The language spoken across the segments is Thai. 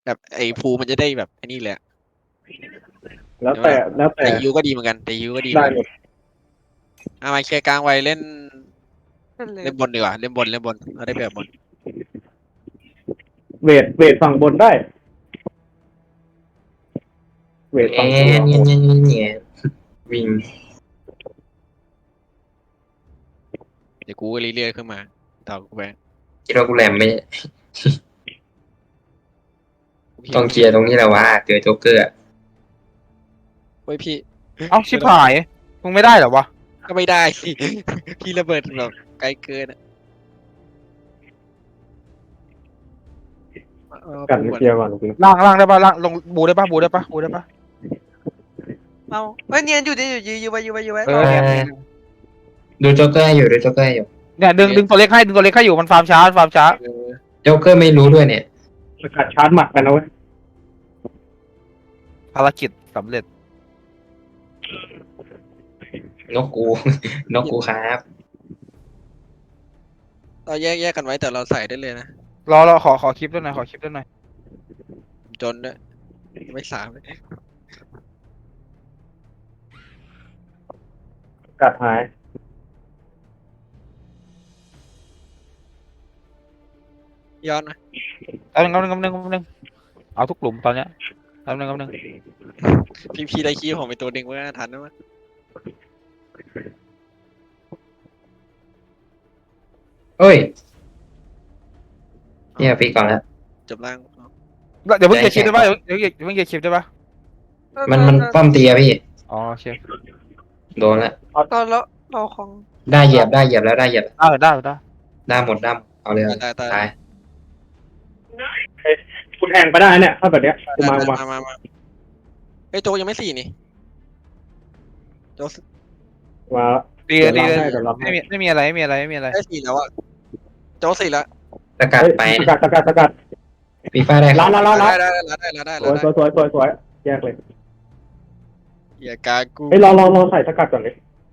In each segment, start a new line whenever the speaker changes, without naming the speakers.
แบบไอ้ภูมันจะได้แบบไอ้นี่แหละ
แล้วแต่แล้วแต่
แต่ยูก็ดีเหมือนกันแต่ยูก็ดีเหมื
ได้
อนกัน
หมด
เอามาเคลียร์กลางไว้เล่น
นั่นเลย
เล่นบนดีกว่าเล่นบนเราได้แบบบน
เวทฝั่งบนได้ เวทฝั่งบน
เนี่ยวิ่ง
เดี๋ยวกูก็เรื่อยๆขึ้นมาต่อกูไป
คิดว่ากูแหลมไม่ต้องเคลียร์ตรงนี้แหละวะเจอโจ๊กเกอร์
เฮ้ยพี่
เอ้าชิบหายมึงไม่ได้เหรอวะ
ก็ไม่ได้สิ พี่ระเบิดแบบไกลเกินอะเอา
กัน
ปูก่อน
เคลียร์ก่อนจริง
ล่างได้ปะล่างลงบูได้ปะบูได้ปะ
เอาเฮ้ยเนียนอยู่นี่อยู่ยื้อไว้
เออเนี่ย
ดูโจ๊กเกอร์ให้อยู่ดูโจ๊กเกอร์ให้อยู่
เนี่ยดึงตัวเล็กให้อยู่มันฟาร์มช้า
เออ
โจ๊กเกอร์ไม่รู้ด้วยเนี่ย
สกัดชาร์จหมัดกันนะเว้ย
ภารกิจสำเร็จ
นกกู นกกูครับ
เราแยกกันไว้แต่เราใส่ได้เลยนะ
รอขอคลิปด้วยหน่อย
จนด้วยไม่สามเลย
สกัดหาย
ย้อนนะ
แป๊บนึงเอาทุกกลุ่มตอนเนี้ยแป๊บนึง
พี่ได้คีย์ผมไปตัวหนึ่งว่าทันนะมั้ย
เฮ้ยเนี่ยปีก่อนแล้ว
จบล่าง
เดี๋ยวเพิ่งเกียร์คลิปได้ปะเดี๋ยวเพิ่งเกียร์คลิปได้ปะ
มันป้อมตีอะพี่
อ๋อโอเค
โดนแล้ว
เราของ
ได้เหยียบแล้วได้เหยียบได้หมดเอาเลย
ตาย
ตาย
คุณแทงไปได้เนี่ยถ้าแบบเนี้ยกูมา
เฮ้ยโจยังไม่สี่นี่โจ
มา
ดี
เดี๋ยวรับให้
ไม่มีอะไร
ได้สี่แล้วอะโจสี่แล้ว
สกัดไป
สกัด
ฟีฟ่าได้
ล้าน
ได้
สวยแยกเลย
อย่ากากู
เฮ้ยรอใส่สกัดก่อนเลย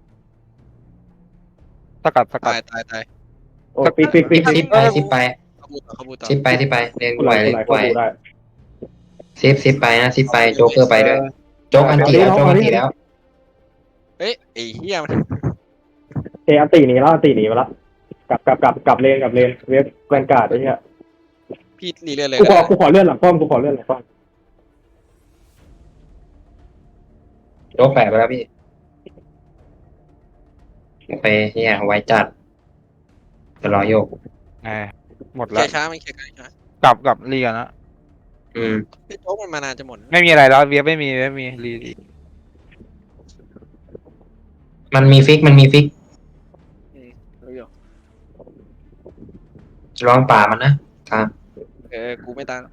สกัด
ตาย
โอ้ปี
ซิปไป
เขาบูต่อ
ซิปไปเรียน
กู
ไหว
ไหล
เลยไหว
ได้
ซิปไปนะซิปไปโจ๊กเกอร์ไปด้วยโจ๊กอันตีแล้วโจ๊กอันตีแล้ว
เฮ้ยไอ้เหี้ยมัน
อันตีหนีแล้วไปละกลับเลนเวฟแวนการ์ดไอ้เหี้ย
พี่รีเรื่อยเลย
กูขอเลื่อนหลังป้อม
โจ๊กแปะไปแล้วพี่โอเคเนี่ยไว้จัดจะรอโยก
หมด
เค
แล้
ลี
วย
ร์ช้าไม่เคลียร์ช้าก
ลับรีกันนะ
พี่โจ๊กมันมานานจะหมด
ไม่มีอะไรแล้วเวียไม่มีรี
มันมีฟิก
รู้อยู่
ลองป่ามันนะครับ
กูไม่ตาม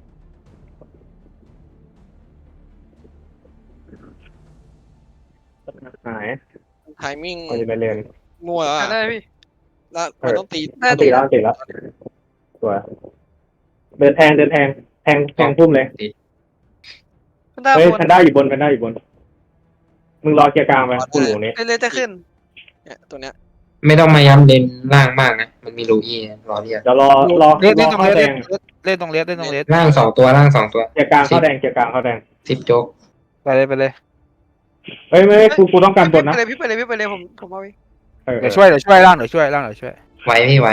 หาย
ไทมิ่ง
เอาอยู่ในเลน
มั่วแล้ว
ได้พี่
แล้วมันต้องตี
ได้
ตีแล้วสวยเดินแทงพุ่มเลย
ได้
เฮ้ย
บน
แพนด้าอยู่บนมึงรอเคลียร์กลางไปกูอยู่นี้
เลยจะขึ้น
เนี่ยตัวเนี้ย
ไม่ต้องมาย้ำเด่นล่างมากนะมันมีลูอี้รอเรียก
เดี๋ยวรอ
เล่นตรง
เข้าแดง
เล่นตรงเลส
ล่างสองตัว
เคลียร์กลางเข้าแดง
ซิปโจ๊ก
ไปเลย
เฮ้ยไม่กูต้องการบนนะ
พี่ไปเลยผมเอาเอง
เดี๋ยวช่วยล่างเดี๋ยวช่วย
ไว้พี่ไว้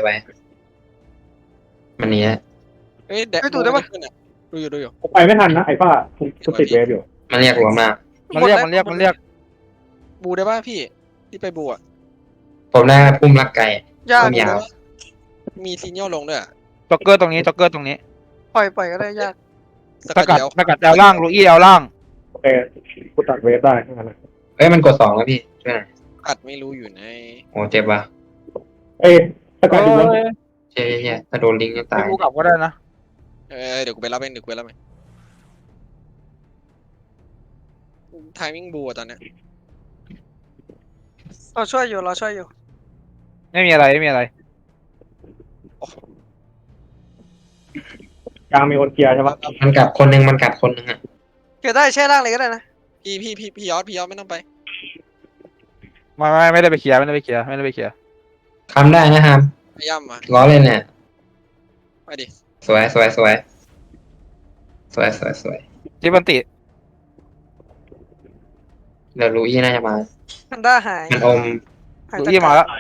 มันนี้
เฮ้ยแดกดูอยู่
กูไปไม่ทันนะไอ้ป้ากูติดเวฟอยู่
มันเรียกหัวมาก
มันเรียก
บูได้ป่ะพี่ที่ไปบูอ่ะ
ผมได้พุ่มรักไก่
ยาก
พุ่มยาว
มีซีเนียลลงด้วย
จ็อกเกอร์ตรงนี้
ปล่อยก็ได้ยาก
ส
ส
กั
กั
ด
ด
เดียว
สกัดแอลล่างลูอี้แอลล่าง
โอเคกูตัดเวฟได้แค่นั้น
เฮ้ยมันกด2แล้วพี่ช่วยหน่อย
กัดไม่รู้อยู่ใน
โอ้เจ็บว่ะ
เอ้ยสกัดอยู่บน
เชี่ยถ้าโดนลิงจะตาย
กูกลับก็ได้นะ
เดี๋ยวกูไปรับเองไทมิ่งบูตอนเนี้ย
เราช่วยอยู่
ไม่มีอะไร
กลางมีคนเคลียร์ใช่ปะ
มันกัดคนหนึ่งอ่ะ
เกิดได้แช่ล่างเลยก็ได้นะ
พี่ยอดไม่ต้องไป
ไม่ได้ไปเคลียร์
ทำได้นะครับ
พยายามมา
ล้อเล่นเนี่ย
ไปดิ
สวยสวยสวยสวย
จิบันติ
เดี๋ยวลูอี้น่าจะมา
แพนด้าหาย
มันอม
หาย
ดู
จาก
ยี่มาแล้ว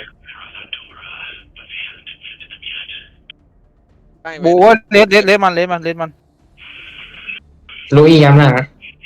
ใกล้ไหม
บูเลสมัน
ลูอี้ย้ำหน้านะ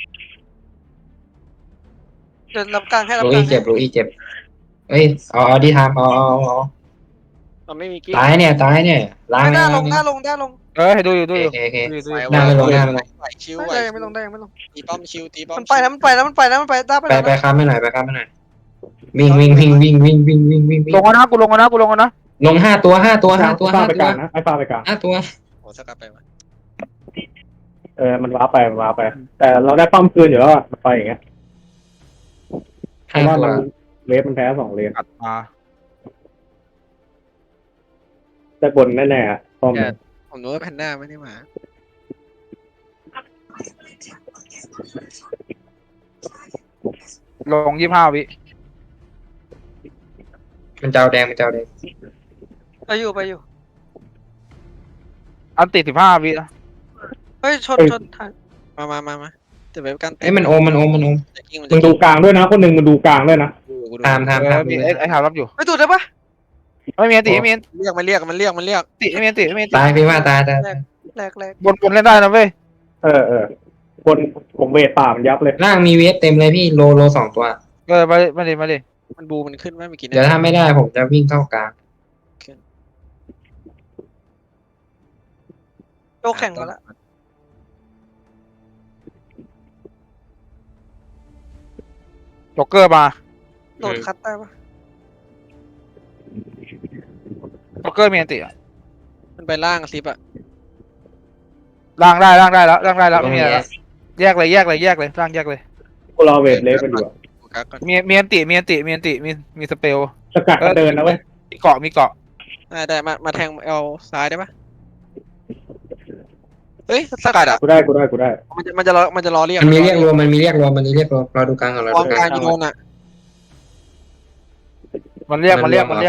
เดินรับกลางให้รับ
ลู
กลา
อี้
ง
เจ็บลูอี้เจ็บเอ้ยเอาดีทามเอา
มันไม่มีกิ๊ก
ตายเนี่ยล้าง
หน้าล
ล้าง
งหน้าลงหน้าลง
ให้ดูอยู่
โอเคโอเค
ดู
ไหว
อยู่
หน้าไม่ลงหน้าไม่ลง
ไหวชิว
ไม่
ไหว
ได้ยังไม่ลงได้ยังไม่ลง
ตีป้อมชิวตีป้อม
มันไปแล้วมันไปแล้วมันไปแล้วมันไปด้าไป
ไป
แล้ว
ไป
นะ
ค้ำไม่หน่อยวิ่ง
ลงนะกูลงนะ
ลงห้าตัว
ไอ้ฟ้าไปกลางนะไอ้ฟ้าไปกลาง
ห้าตัว
โอ้สกัดไปวะ
มันว้าไปแต่เราได้ป้อมคืนอยู่แล้วอะมันไปอย่างเงี้ยเพ
ห้า
ราะว่า
ตัว
มันเลนมันแพ้2เลน
อัดมา
ได้บนแน่ๆอะป้อม
ผมรู้ว่าแพนด้าไม่ได้มา
ลง25 วิ
มันเจ้าแดง
ไปอยู่
อันติ15 วินะ
เฮ้ยชนทัน
มาจะไปกัน
เอ้ยมันอม
จะกิ้งมัน
มึงดูกลางด้วยนะคนหนึ่งมึงดูกลางด้วยนะ
ตาม
มีไอ้หารับอยู่
ไม่ตูดได้ปะ
ไม่มีอันติไม่มี
เรียกมันเรียก
ติไม่มีอันติ
ตายพี่ว่าตาย
แหลก
บนเล่นได้นะเว้ย
บนผมเวทป่ามันยับเลย
ล่างมีเวทเต็มเลยพี่โล2ตัว
มาดิ
มันบูมันขึ้นไหมเมื่อกี้
เดี๋ยวถ้าไม่ได้ผมจะวิ่งเข้ากลาง
โยกแข่งมาแล้ว
จ็อกเกอร์มา
โดดคัดได้ปะ
จ็อกเกอร์มีอันติ
มันไปล่างซิปอะ
ล่างได้แล้วไม่มีอะไรแล้วแยกเลยล่างแยกเลย
กูรอเวทเลฟกันอยู่อะ
กักก่อน
มีอันติมีสเปล
สกัดก็เดินนะเว้ย
มีเกาะ
ได้มาแทงเอาซ้ายได้ปะเฮ้ยสกัดอะ
กูได้
มันจะรอเรียก
มันมีเรียกรวมรอดูกลางก่อนรอ
วาง
ดู
ก
ก
ลา
ลาง ง
จะโดนอะ
มันเรียก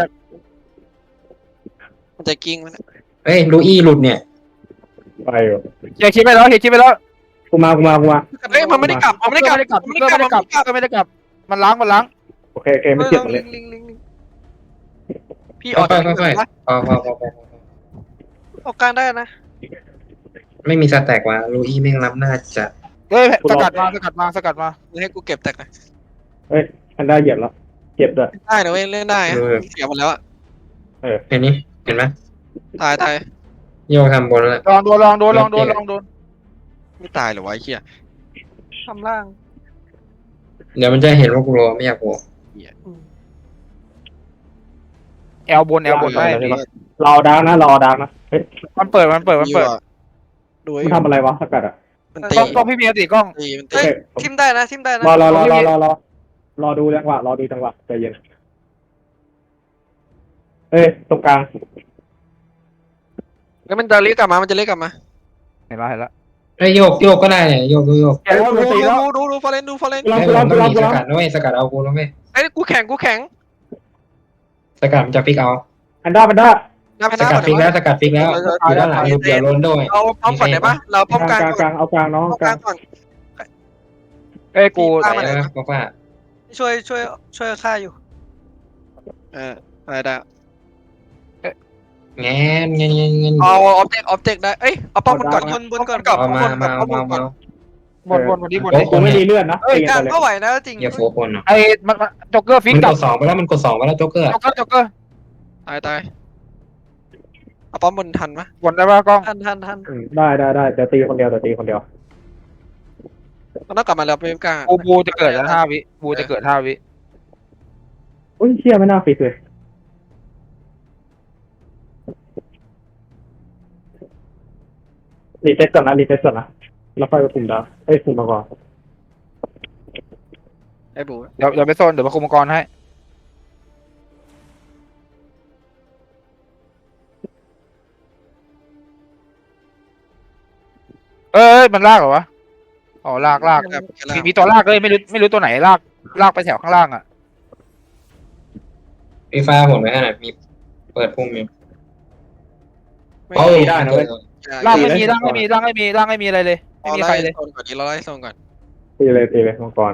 มันจะกิ้งมัน
เฮ้ยลูอี้หลุดเนี่ย
ไปอยู่
เฮียคิดไปแล้ว
กูมา
เฮ้ยมันไม่ได้กลับมันไม่ได้กลับ
ไม่ได้กลับมันล้าง
โอเคไม่เจ็บเลย
ลิง
พี่ออก
ค่อยพอ
ออกกลางได้นะ
ไม่มีสแต็กว่ะลูอี้ไม่รับน่าจะ
เฮ้ยสกัดมา
ให้กูเก็บแตกนะ
อันได้เหยียบแล้วเจ็บด้วย
ได้นะเว้ยเล่นได้เสียหมดแล้วอะ
เห็นไหม
ตาย
โยกทำบนแล้ว
ลองโดน
ไม่ตายหรอวะไอ้เหี้ย
ทำล่าง
เดี๋ยวมันจะเห็นว่ากูรอไม่อยากโผล่
แอลบนได้
รอดังนะเฮ้ย
มันเปิด
ดู
มึงทำอะไรวะสกัดอ่ะ
มันตี
กล้องพี่มีอันติกล้อง
มัน
เฮ้
ตี
ยทิมได้นะ
รอดูจังหวะใจเย็นตรงกลาง
แล้วมันจะเรียกกลับมา
เห็นแล้ว
เฮ้ยโยกก็ได้เนี่ยโยก
ดูฟอเรน
เฮ้ยผมต้องมีสกัดนะเว้ยสกัดเอากูแล้วเว้ย
ไอ้กูแข่ง
สกัดมันจะฟิกเอา
อันด้า
หน้าพ
ส
นัก
กัดฟิกแล้วอยู่ด้านหลังเดี๋ยวล้นด้วย
เราป้อมก่อนได้ปะเราป้อมกลาง
กลางเอากลางน้อง
ป้อม
ก
ก
ลา
ลาง งก่อน
เอ้ยกู
ตาม
ไหนวะบอกว่า
ช่วยฆ่าอยู่
อะไรได้
แงน
เอาออบเจกต์ได้เอ้ยเอาป้อมมันก่อน
บนก่อน
เอามา
บนวันนี้
กูไม่มีเลือดนะ
เอ้ยกลางก็ไหวนะจริง
อย่าโฟกัสเนาะ
ไอ้มันจ็อกเกอร์ฟิก
มัน
กลั
ก
บ
ด2ไปแล้วมันกด2ไปแล้วโจ๊กเกอร์
จ็อกเกอร์
ตายเอาป้อมบนทันปะ
บนได้ป่ะกล้อง
ทัน
ได้แต่ตีคนเดียว
มันต้องกลับมาแล้วไปกลาง
บูจะเกิดแล้ว5 วิบูจะเกิด5 วิ
อุ้ยเชี่ยไม่น่าฟิกเลยรีเซ็ตก่อนนะแล้วค่อยไปคุมดาวคุมมาก่อน
ไอ้บู
เดี๋ยวไปโซนเดี๋ยวมาคุมมังกรให้มันลากเหรอวะอ๋อลากมีตัวลากเลยไม่รู้ตัวไหนลากไปแถวข้างล่างอ่ะ
มีไฟหมดไหมขนาดมีเปิดพุ่มอยู่
ได้นะเว้ย
ล่างไม่มีอะไรเลยไม่มีใครเลย
โซนก่อนนี้เราไล่โซนก่อน
ตีเลยมังกร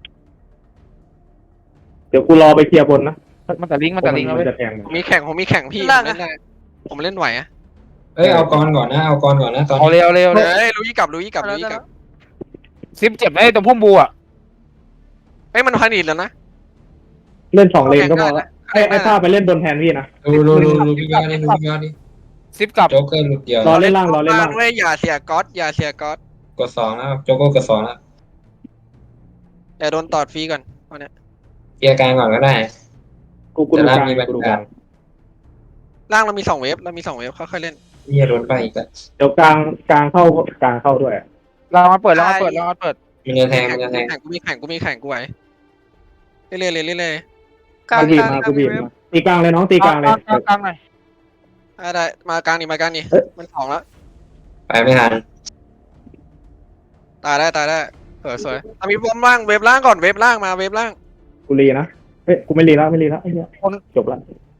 เดี๋ยวกูรอไปเคลียร์บนนะ
มันแต่ลิงก์มันแต่ลิงก์แล้วเว้ย
จะแทง
ผมมีแข่งพี่ผมเล่นได้ผมเล่นไหวอะ
เอ้ยเอากรก่อนนะเอากรก่อนนะตอน
เอา
นี้
เร็ว
เฮ้ยรู้ยี่กลับ
ซิปเจ็บไหมตรงพุ่มบูอ่ะ
เฮ้ยมันพันอีกแล้วนะ
เล่น2 เลนก็พอละไอ้ผ้าไปเล่นบนแทนพี่นะ
ดูพี่ยอดนี่ดูพี่ยอดนี่
ซิปกลับ
โจ๊กเกอร์หลุดเดียว
รอเล่นล่างรอเล่นล่าง
เว้ยอย่าเสียก๊อต
กด2แล้วโจ๊กเกอร์กด2แล้ว
อย่าโดนตอดฟรีก่อนเอาเนี่ย
เคลียร์กลางก่อนก็ได้
กูดูกลางกูดูกลาง
ล่างเรามี2 เวฟค่อยๆเล่น
นี่โดนไปอีกแล้ว
เดี๋ยวกลางเข้าด้วย
เรามาเปิด
มันจะแทง
กูมีแข่งกูไหวเรื่อย
กลาง
กูบีบ
กลาง
มา
กลาง
กูบีบมาตีกลางเลยน้องตีกลางเลย
กลางหน่อย
ได้มากลางนี่มัน2แล้ว
ไปไม่ทัน
ตายได้สวยมีบอมล่างเวฟล่างก่อนเวฟล่างมาเวฟล่าง
กูรีนะเฮ้ยกูไม่รีแล้วไอ้เหี้ยจบละ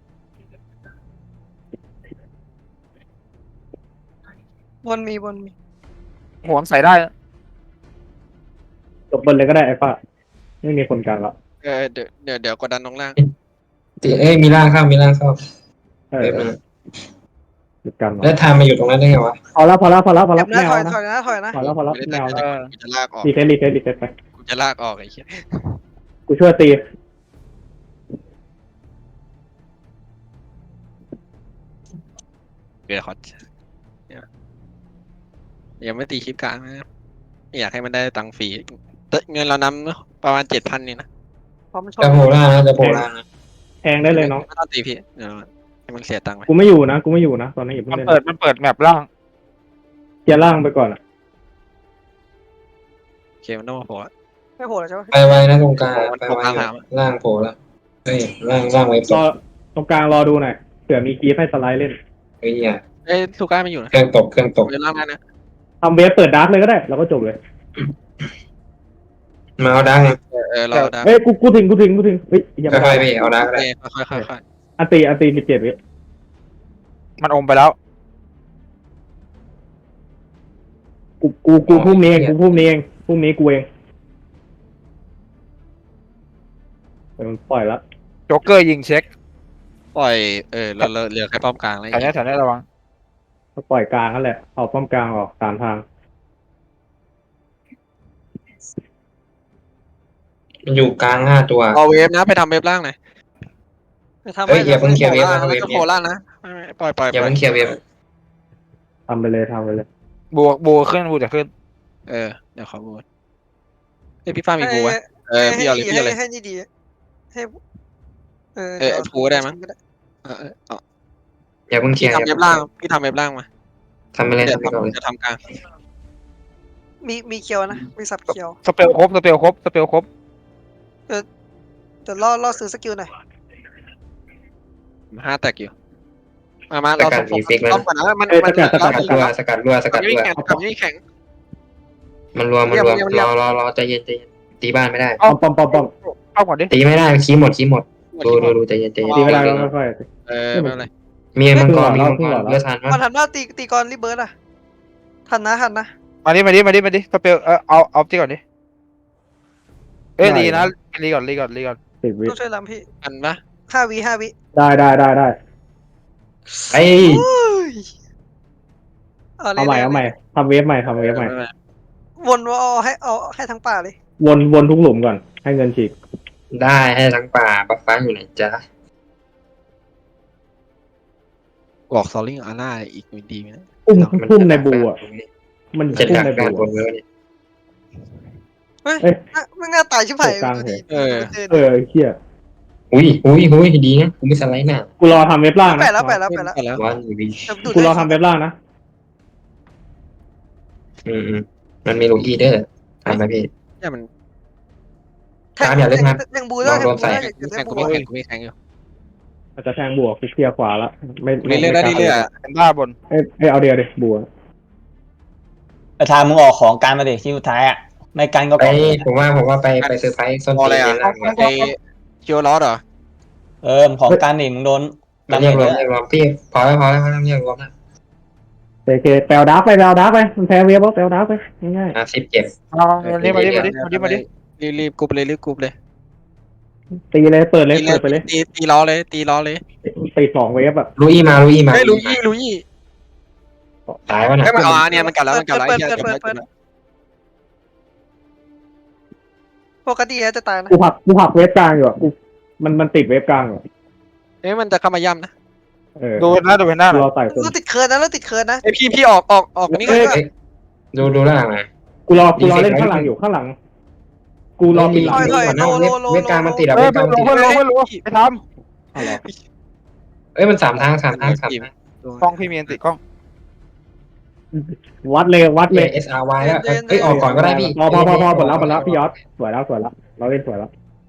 บนมี
หัวใส่ได้
จบบนเลยก็ได้ไอ้ป้าไม่มีคนกลางแล้ว
เดี๋ยวกดดันลงล่าง
เอ้ยมีร่างเข้า
เอ
เว็
อบ
มัน
จุดกัน
แล้วทามมาอยู่ตรงนั้นได้ไงวะ
พอแล้ว
เจ็บ
ไม่
นะ
เอา
ถอย
นะ
นะ
พอแล้ว
ไม่
ไม่
ได้
เอานะ
กูจะลากออก
รีเซ็ตไป
กูจะลากออกไอ้เหี้ย
กูช่วยตี
เกิดฮอตยังไม่ตีคลิปกลางนะไม่อยากให้มันได้ตังค์ฟรีเงินเรานำประมาณ 7,000นี่นะ
พร้อมช
จะ
น
โผล่ล่างนะจะโผล่ล่างนะ
แทงได้เลยน้อง
ไม่ต้องตีพี่เดี๋ยวให้มันเสียตังค์ไป
กูไม่อยู่นะตอนนี้อย่าเพิ่ง
มัน
เล่น
เปิดแมปล่าง
เคลียร์ล่างไปก่อนอ่ะ
โอเคมันต้องมาโผล่
ไม่โผล่เลยใช่ปะ
ไปไว้นะตรงกลางไปไว้ล่างโผล่แล้วเฮ้ยล่างไว้
รอตรงกลางรอดูหน่อยเผื่อมีกีฟให้สไลด์เล่น
เฮ้ยอ่ะ
เอ้ยลูก้าไม่อยู่นะ
เครื่องตก
เดี๋ยวล่างได้นะ
ทำเวฟเปิดดาร์กเลยก็ได้แล้วก็จบเลย
มาเอาดัง
เราได้
เฮ้ยกูถึงเฮ้ยอย่า
ค่อยๆพี่เอาดังก็ได้
ค่อย
อันตี17 วิ
มันอมไปแล้ว
กูพุ่มนี้เองพุ่มนี้กูเองมันปล่อยแล้ว
โจ๊กเกอร์ยิงเช็ค
ปล่อยเราเหลือแค่ป้อมกลางแล้ว
แถวนี้ระวัง
ก็ปล่อยกลางนั่นแหละเอาป้อมกลางออกตามทาง
มันอยู่กลาง5 ตัว
เอาเวฟนะไปทำเวฟล่างหน่อย
จะทำ
เฮ้ยอย่าเพิ่งเคลียร์เวฟนะ
จะโผล่ล่างนะปล่อย
อย่าเพิ่งเคลียร์เวฟ
ทำไปเลย
บูขึ้นบูจะขึ้น
เดี๋ยวขอบูพี่ฟ้ามีบูไว้พี่เอาเลย
ให้นี่ดีให้
ฟูได้มั้ง
อย่าเพิ่งเคลียร์
ทำเวฟล่างพี่ทำเวฟล่างมา
ทำไปเลย
เดี๋ยว
ทำไปก่อนเลย
จะทำกลาง
มีเคียวนะมีสับเคียว
สเปลครบ
เดี๋ยวล่อซื้อสกิลหน่อย
5 แตกอยู่มาเราต้องก่อนนะมัน
สกัดรัวสกัดรัว
ไม่แข็ง
มันรวมรอใจเย็นตีบ้านไม่ได้
ป้อม
เข้าก่อนดิ
ตีไม่ได้คีหมดดูใจเย็น
ตีเวลาแล้วค่อย
ไม่เป็นไร
มีมังกรเลือดทัน
มันทันว่าตีก่อนรีเบิร์ดอ่ะทันนะ
มาดิสเปลเอาที่ก่อนดิรีนะรีก่อน
10 วิ
ต้องช่วยลำพี่
อันปะ
5 วิ
ได้
ไอ้
เอาใหม่ทำเวฟใหม่
วนว่าเอาให้ทั้งป่าเลย
วนทุกหลุมก่อนให้เงินฉีก
ได้ให้ทั้งป่าบัฟฟ้าอยู่ไหนจ๊ะ
บอกซอลลิงอาร่าอีกดีไหมนะ
พุ่มในบูอ่ะมัน
จะ
พุ่ม
ดัก
ใน
การ
บู
บนเนื้อเนี่ย
ไม่ง่าตายชิบหาย
เฮีย
อุ้ยดีนะกูไม่สไลด์หน้า
กูรอทำเว็บล่างนะ
ไปแล้ว
วันวี
กูรอทำเว็บล่างนะ
มันมีลูกอีเดอร์ทำไปพี่
เนี่ยมัน
ยังบูได้
แข่งกูไม่แข่งอยู่
อาจจะแทงบวกเคลียร์ขวาละไม่
เรื่อยๆ
เป็นบ้าบน
เอาเดียวดิบัว
ประธานมึงออกของการมาดิที่สุดท้ายอ่ะไม่กันก็
ไปผมว่าไปเซอร์ไพรส์ส้นตีนล่าง
ไอคิวลอสเหรอ
ของการนี่มึงโดน
มันเรียกรวมพี่พอแล้วเรียกรวมนะ
โอเคแปลดาร์กไปมันแพ้เวฟแปลดาร์กไปง่าย
ซิปเจ็บ
เอาเรียกมาดิ
รีบกรุ๊ปเลยรีบกรุ๊ปเลย
ๆตีเลยเปิดเลยเปิดไปเลย
ตีล้อเลยตีล้อเลย
ตี2เวฟอะ
ลุยมา
เฮ้ยลุย
ตายวะน่ะ
เฮ้ยมันเนี่ยมันกัดแล้วมันกัดแล้วไอ้เหี้ยจบแล้ว
ปกติจะตายนะ
กูหักเวฟกลางอยู่อะมันติดเวฟกลางอยู่
เอ้ยมันจะเข้ามาย่ำนะ
ดูหน้าดูหน้า
เราไต่คน
เราติดเคิร์นนะเราติดเคิร์นนะ
ไอพี่ออกนี่ก็
ดูล่างนะ
กูรอเล่นข้างหลังอยู่ข้างหลังกูรอปิดหลัง
เวฟกลางมันติดอะ
เฮ้
เวย ฟกลางมันติด
เพื่อนรู้ไปท
เอาเหรอ
เอ้ยมัน3 ทาง
ำกล้องพี่เมียนติดกล้อง
วัดเลย
SRY แล้วเอ้ยออกก่อนก็ได้พี่
พอหมดแล้วพี่ยอดสวยแล้วเราเล่นสวยแล้ว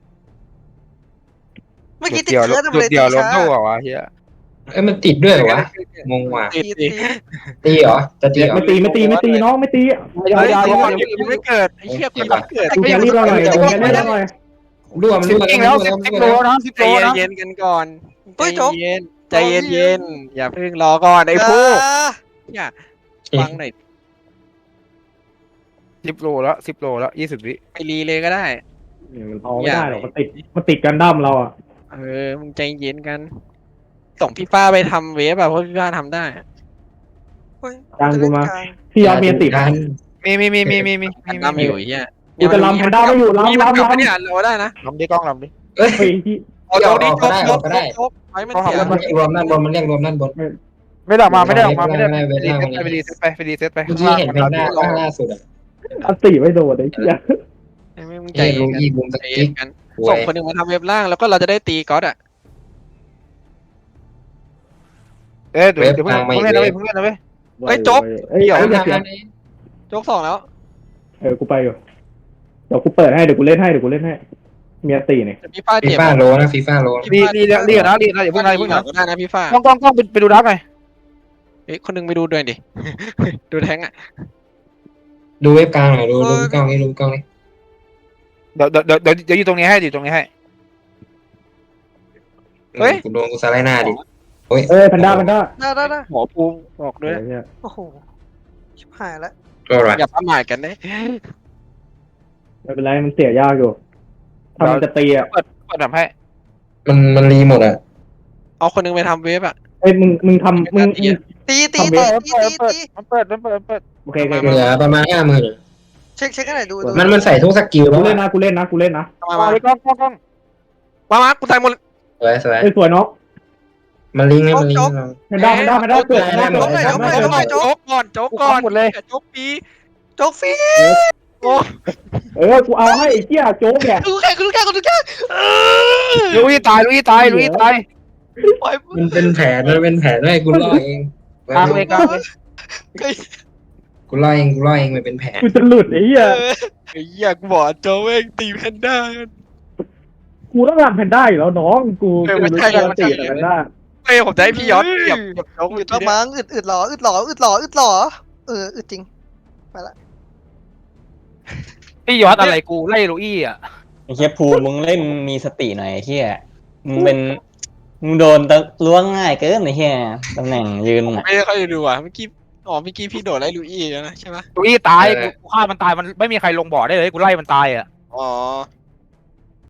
เมื่อกี้ติด
เดียว
เคิร์น
จุด
เลย
เดียวล้มเท่าเหรอวะเฮีย
เอ้ยมันติดด้วยเหรอวะงงว่ะ
ตี
ตีเหรอจะตีเหรอ
ไม่ตีน้องไม่ตี
ยาวยังไม่เกิด
ไอ้เหี้ยคนยังเกิด
กูจะรีบเราหน่อย
รั่วมัน
สิบ
รั่ว
จริง
แล้
แล้ว ว10 โลนะ10
ใจ
โลนะ
เย็นกันก่อนใจเย็นอย่าเพิ่งรอก่อนไอ้ผู้อย่าฟังหน่อย
10 โลแล้ว10 โลแล้ว20 วิ
ไปรีเลยก็ได้
มันพอไม่ได้หรอกมันติดกันดั้มเราอ่ะ
มึงใจเย็นกันส่งพี่ฟ้าไปทำเวฟอะเพราะพี่ฟ้าทำได้
พี่ยอดเมียติด
กัน
มี
ทำอยู่เหี้ย
กูจะลำแพนด้าไม่อยู่ลำ
เนี่ยเราได้นะ
ลำดิกล้องลำดิ
เอ้ย
ที่
เอาตรงนี้จบไว้มันเสีย
มันรวมด้านบนมันเรียกรวมด้านบน
ไม่ได้ออกมาไปรีเซ็ตไป
เมื่อกี้เห็นเป็นหน้าล่าสุดอ่ะ
อันตีไม่โดนไอ้เหี้ย
มึงใจเย็นกันส่งคนหนึ่งมาทำเว็บล่างแล้วก็เราจะได้ตีก๊อตอะ
เดี๋ยวเพิ่งเล่นนะเว้ย
โจ๊ก
เดี๋ยวจะเสีย
โจ๊ก2แล้ว
กูไปอยู่เดี๋ยวกูเปิดให้เดี๋ยวกูเล่นให้เมียตีเนี่ย
พี่ฟ้า
ฟี
เจ็บ
ฟ่าโลนะฟีฟ่าโล
รีนะอย่าเพิ่งนะ
ได้นะพี่ฟ้าก
ล้องไปดูดักหน่อย
เฮ้ยคนนึงไปดูด้วยดิดูแทงอะ
ดูเว็บกลางหน่อยดูกล้องนี่ดูกล้องนี่
เดี๋ยวอยู่ตรงนี้ให้
กูโดนกูสไลด์หน้าดิ
แพนด้า
ได้
หมอภูมิบอกด้วย
โอ้โหชิบหายแล้ว
ก็อะไร
อย่าประมาทกันนะ
ไม่เป็นไรมันเสียยากอยู่ถ้ามันจะตีอ่ะ
เปิดแบบให้
มันรีหมดอ่ะ
เอาคนนึงไปทำเวฟอะ
มึงทำมึง
ตี
มันเปิด
โอเค
เหลือประมาณ50,000
เช็คกันหน่อยดู
มันใส่ทุกสกิล
กู
แล้ว
เล่นนะกูเล่นนะ
กล้อง
มากูตายหมด
สวย
สวยเนาะ
มันลิงก์
แพนด้าเกิด
โจ๊กก่อน
หมดเลย
โจ๊กปี
โจ๊กฟรี
กูเอาให้ไอ้เหี้ยโจ๊กเนี่ย
ดูแค่
ลุยตาย
มันเป็นแผนด้วยกูล่อเอง
กลางเลย
กูล่อเองมันเป็นแผน
กูจะหลุดไอ้เหี้ย
ไอ้เหี้ยกูบอกโจ๊กเองตีแพนด้า
กูต้องรันแพนด้าอยู่แล้วน้องกูรู้การตีแพนด้า
เฮ้ยผมจะให้พี่ยอดเก็บโจ๊ก
อึดละมั้งอึดหรออึดจริงไปละ
พี่ยอดอะไรกูไล่ลุยอ่ะ
ไอ้เฮียภูมึงเล่นมีสติหน่อยไอ้เฮียมึงโดนล้วงง่ายเกินไอ้เฮียตำแหน่งยืน
ไม่ได้ค่อยดูอ่ะเมื่อกี้พี่โดดไล่ลุยแล้วนะใช่ไหม
ลุยตายกูฆ่ามันตายมันไม่มีใครลงบ่อได้เลยกูไล่มันตายอ่ะ
อ๋อ